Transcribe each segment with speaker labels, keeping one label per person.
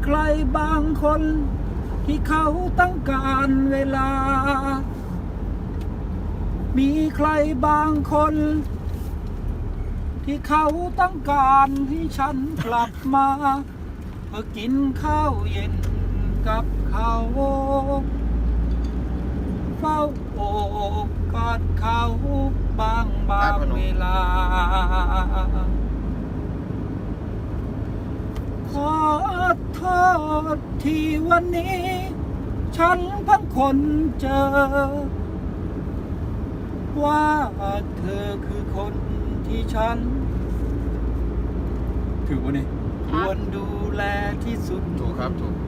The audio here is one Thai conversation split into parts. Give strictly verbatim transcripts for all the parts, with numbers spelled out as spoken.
Speaker 1: ใครบางคนที่เขาต้องการเวลามีใครบางคนที่เขาต้องการให้ฉันกลับมาเพื่อกินข้าวเย็นกับเขาเฝ้าโอบกอดเขาบางบางเวลาขอโทษที่วันนี้ฉันเพิ่งคนเจอว่าเธอคือคนที่ฉันถือว่าเนี่ยควรดูแลที่สุด
Speaker 2: ถูกครับถูก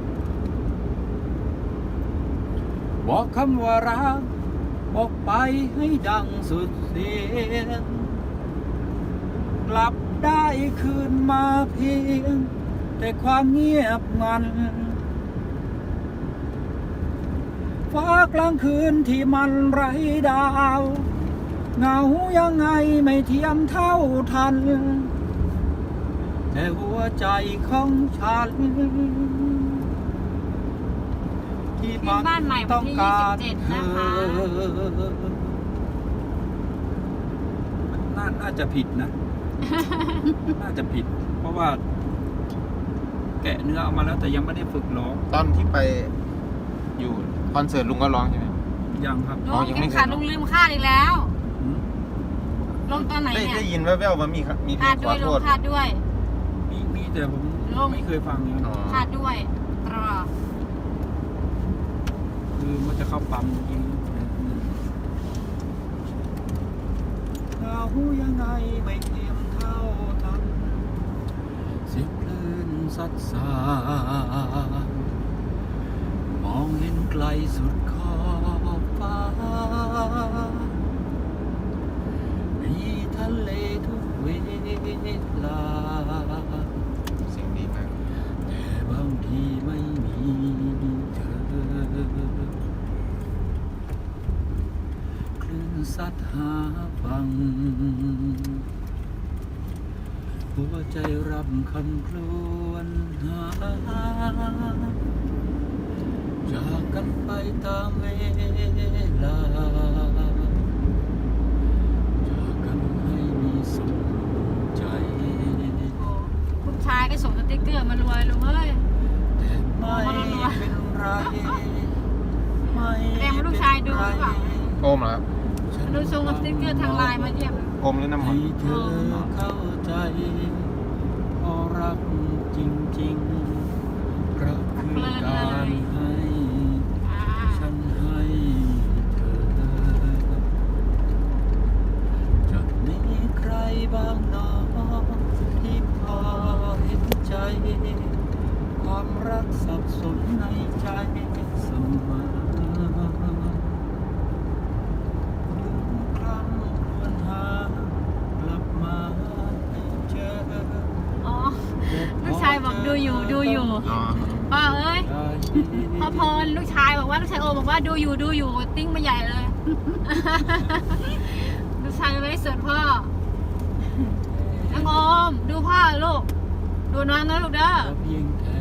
Speaker 1: บอกคำว่ารักบอกไปให้ดังสุดเสียงกลับได้คืนมาเพียงแต่ความเงียบงันฟ้ากลางคืนที่มันไร้ดาวเหงายังไงไม่เทียมเท่าทันแต่หัวใจของฉันที่มันต้องการเธอน่าน่าจะผิดนะ น่าจะผิดเพราะว่าแกะเนื้อออกมาแล้วแต่ยังไม่ได้ฝึกร้อง
Speaker 2: ตอนที่ไปอยู่คอนเสิร์ตลุงก็ร้องใช่ไหม
Speaker 1: ยังครับ
Speaker 3: ลุงยังขาดลุงลืมคาดอีกแล้วลงตอนไหนเนี่ย
Speaker 2: ได้ยินแว่วๆว่ามีมีเพลงขอโทษ
Speaker 3: คาดด้วย
Speaker 1: มีมีแต่ผมไม่เคยฟัง
Speaker 3: คาดด้วยรอ
Speaker 1: คือมันจะเข้าปั๊มจริงเรายังไงไม่เทียมเท่าทันเสียงคลื่นซัดสามองเห็นไกลสุดขอบฟ้ามีทะเลทุกเวลา
Speaker 2: เสียงดีมาก
Speaker 1: แต่บางทีไม่มีเธอคลื่นซัดหาฟังหัวใจรับคำครวญหาจากกันไปตามเวลาจากกันให้มีสุขใจ
Speaker 3: คุณชายก็ส่งสติ๊กเกอร์มารวยลุงเอ้ย
Speaker 1: แต่ไม่เป็นไรไม่
Speaker 3: แรงลูกชายดูหรือเปล่า
Speaker 2: โอมเหรอครับ
Speaker 3: ดูส่งสติ๊กเกอร์ทางไลน์มาเยี่ยม
Speaker 2: โอมหรือน้ำมัน
Speaker 1: ให้เธอเข้าใจเพราะรักจริงๆรักคือการให้ฉันให้เธอจะมีใครบ้างหนอที่พอเห็นใจความรักสับสนในใจเสมอ
Speaker 3: ลูกชายบอกดูอยู่ดูอยู่พ่อเอ้ยพ่อพรลูกชายบอกว่าลูกชายโอบอกว่าดูอยู่ดูอยู่ติ้งมาใหญ่เลยลูกชายไม่ได้เสิร์ฟพ่อน้องโอมดูพ่อลูกดูน้องนะลูกเด้อ